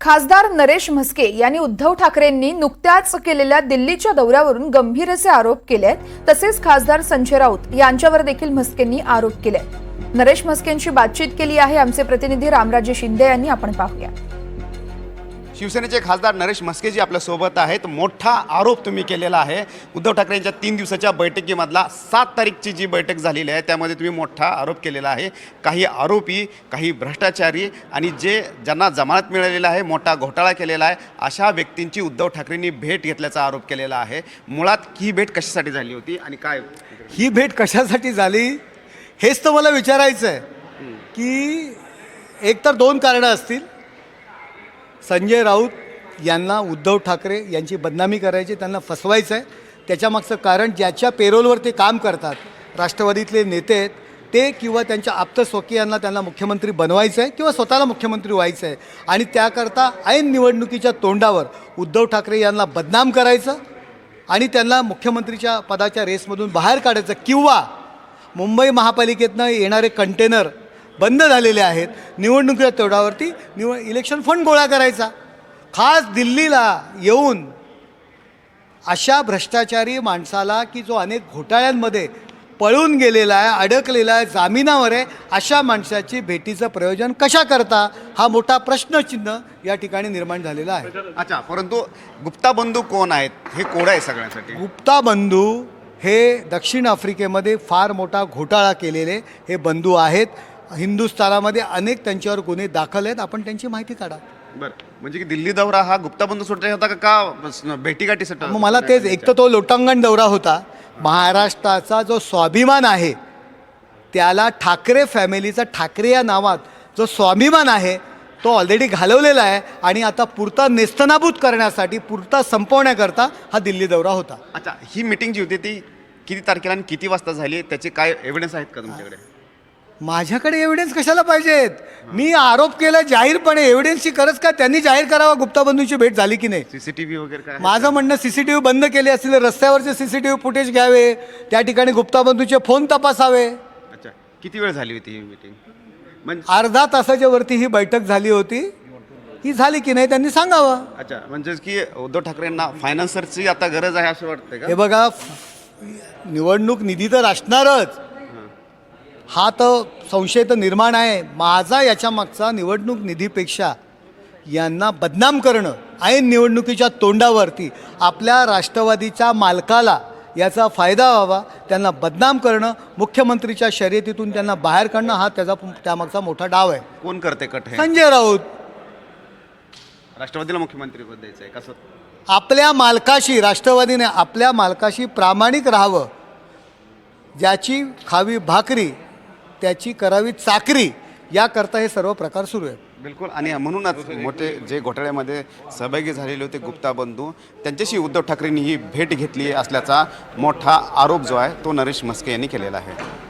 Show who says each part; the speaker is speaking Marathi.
Speaker 1: खासदार नरेश म्हस्के यांनी उद्धव ठाकरेंनी नुकत्याच केलेल्या दिल्लीच्या दौऱ्यावरून गंभीर असे आरोप केले आहेत। तसेच खासदार संजय राऊत यांच्यावर देखील म्हस्केंनी आरोप केले। नरेश म्हस्केंशी बातचीत केली आहे आमचे प्रतिनिधी रामराजे शिंदे यांनी। आपण पाहूया।
Speaker 2: शिवसेनेचे खासदार नरेश म्हस्के आपल्या सोबत आहेत। मोठा आरोप तुम्ही केलेला आहे उद्धव ठाकरेंच्या 3 दिवसाच्या बैठकीमधला 7 तारीखची जी बैठक झालेली आहे त्यामध्ये तुम्ही मोठा आरोप केलेला आहे। काही आरोपी, काही भ्रष्टाचारी आणि ज्यांना जमानत मिळालेला आहे, मोठा घोटाळा केलेला आहे, अशा व्यक्तींची उद्धव ठाकरेंनी भेट घेतल्याचा आरोप केलेला आहे। मुळात ही भेट कशासाठी झाली होती आणि काय
Speaker 3: ही भेट कशासाठी झाली हेच तर मला विचारायचं आहे की एकतर 2 कारणं असतील। संजय राऊत यांना उद्धव ठाकरे यांची बदनामी करायची, त्यांना फसवायचं आहे। त्याच्यामागचं कारण ज्याच्या पेरोलवर ते काम करतात, राष्ट्रवादीतले नेते आहेत ते किंवा त्यांच्या आप्तस्वकीयांना त्यांना मुख्यमंत्री बनवायचं आहे किंवा स्वतःला मुख्यमंत्री व्हायचं आहे आणि त्याकरता ऐन निवडणुकीच्या तोंडावर उद्धव ठाकरे यांना बदनाम करायचं आणि त्यांना मुख्यमंत्रीच्या पदाच्या रेसमधून बाहेर काढायचं किंवा मुंबई महापालिकेतनं येणारे कंटेनर बंद झालेले आहेत, निवडणुकीच्या तोडावरती इलेक्शन फंड गोळा करायचा। खास दिल्लीला येऊन अशा भ्रष्टाचारी माणसाला की जो अनेक घोटाळ्यांमध्ये पळून गेलेला आहे, अडकलेला आहे, जामिनावर आहे, अशा माणसाची भेटीचं प्रयोजन कशा करता हा मोठा प्रश्नचिन्ह या ठिकाणी निर्माण झालेला आहे।
Speaker 2: अच्छा, परंतु गुप्ता बंधू कोण आहेत हे कोड आहे सगळ्यांसाठी।
Speaker 3: गुप्ता बंधू हे दक्षिण आफ्रिकेमध्ये फार मोठा घोटाळा केलेले हे बंधू आहेत। हिंदुस्थानामध्ये अनेक त्यांच्यावर गुन्हे दाखल आहेत, आपण त्यांची माहिती काढा।
Speaker 2: बरं, म्हणजे की दिल्ली दौरा हा गुप्ता बंधू सुटला होता का भेटीगाठीसाठी?
Speaker 3: मग मला तेच, एक तर तो लोटांगण दौरा होता। महाराष्ट्राचा जो स्वाभिमान आहे त्याला ठाकरे फॅमिलीचा, ठाकरे या नावात जो स्वाभिमान आहे तो ऑलरेडी घालवलेला आहे आणि आता पुरता नेस्तनाबूत करण्यासाठी, पुरता संपवण्याकरता हा दिल्ली दौरा होता।
Speaker 2: अच्छा, ही मीटिंग जी होती ती किती तारखेला आणि किती वाजता झाली, त्याचे काय एव्हिडन्स आहेत का तुमच्याकडे?
Speaker 3: माझ्याकडे एव्हिडन्स कशाला पाहिजेत? मी आरोप केला जाहीरपणे, एव्हिडन्सची गरज का? त्यांनी जाहीर करावा गुप्ता बंधूंची भेट झाली की नाही।
Speaker 2: सीसीटीव्ही वगैरे काय?
Speaker 3: माझं म्हणणं सीसीटीव्ही बंद केले असतील, रस्त्यावरचे सीसीटीव्ही फुटेज घ्यावे, त्या ठिकाणी गुप्ता बंधूचे फोन तपासावे।
Speaker 2: अच्छा, किती वेळ झाली होती ही मीटिंग? म्हणजे
Speaker 3: अर्धा तासाच्या वरती ही बैठक झाली होती। ही झाली की नाही त्यांनी सांगावं।
Speaker 2: अच्छा, म्हणजे की उद्धव ठाकरेंना फायनान्सरची आता गरज आहे असं वाटतंय का?
Speaker 3: हे बघा, निवडणूक निधी तर असणारच, हा तर संशय तर निर्माण आहे। माझा याच्या मागचा निवडणूक निधीपेक्षा यांना बदनाम करणं, ऐन निवडणुकीच्या तोंडावरती आपल्या राष्ट्रवादीच्या मालकाला याचा फायदा व्हावा, त्यांना बदनाम करणं, मुख्यमंत्रीच्या शर्यतीतून त्यांना बाहेर काढणं, हा त्यामागचा मोठा डाव आहे।
Speaker 2: कोण करते कट हे?
Speaker 3: संजय राऊत।
Speaker 2: राष्ट्रवादीला मुख्यमंत्रीपद द्यायचं आहे कसं?
Speaker 3: आपल्या मालकाशी, राष्ट्रवादीने आपल्या मालकाशी प्रामाणिक राहावं, ज्याची खावी भाकरी त्याची करावी चाकरी, याकरता हे सर्व प्रकार सुरू आहे।
Speaker 2: बिलकुल, आणि म्हणूनच मोठे जे घोटाळ्यामध्ये सहभागी झालेले होते गुप्ता बंधू, त्यांच्याशी उद्धव ठाकरेंनी ही भेट घेतली असल्याचा मोठा आरोप जो आहे तो नरेश म्हस्के यांनी केलेला आहे।